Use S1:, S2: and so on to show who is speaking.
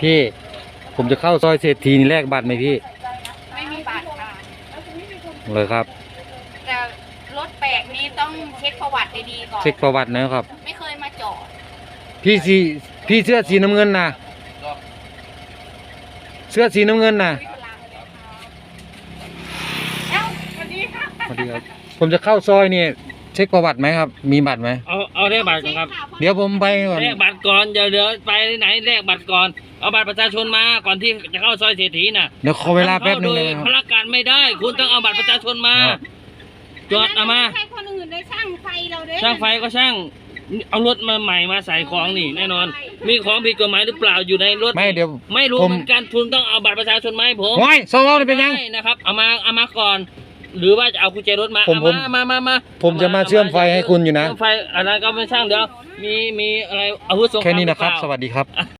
S1: พี่ผมจะเข้าซอยเศรษฐีนี่แลกบัตรไหมพี่
S2: ไม่มีบัตรค่ะ
S1: เลยครับ
S2: แต่รถแปลกนี้ต้องเช็คประวัติดีๆก่อน
S1: เช็คประวัตินะครับ
S2: ไม่เคยมาจอด
S1: พี่เสื้อสีน้ำเงินนะเสื้อสีน้ำเงินนะ
S2: สวัสดีค่ะ
S1: สวัสดีครับผมจะเข้าซอยนี่เช็คประวัติไหมครับมีบัตรไหม
S3: เอาเลขบัตรก่อนครับ
S1: เดี๋ยวผมไปก่อน
S3: เลขบัตรก่อนเดี๋ยวไปไหนเลขบัตรก่อนเอาบัตรประชาชนมาก่อนที่จะเข้าซอยเศรษฐีน่ะ
S1: เดี๋ยวขอเวลาแป๊บนึงเลย
S3: ครับพละการไม่ได้คุณต้องเอาบัตรประชาชนมาจอดเอามา
S2: ใครคนอื่นได้ช่างไฟเราเด้
S3: ช่างไฟก็ช่างเอารถมาใหม่มาใส่ของนี่แน่นอนมีของผิดกฎหมายหรือเปล่าอยู่ในรถ
S1: ไม่เดี๋ยว
S3: ไม่รู้เหมือนกันคุณต้องเอาบัตรประชาชนมาให้ผม
S1: ว้ายสวนี่เป็นยัง
S3: นะครับเอามาก่อนหรือว่าจะเอากุญแจรถมามา
S1: ผมจะมาเชื่อมไฟให้คุณอยู่นะ
S3: เชื่อมไฟอะไรก็ไม่ช่างเดี๋ยวมีอะไรอาวุธสงคราม
S1: แค่นี้นะครับสวัสดีครับ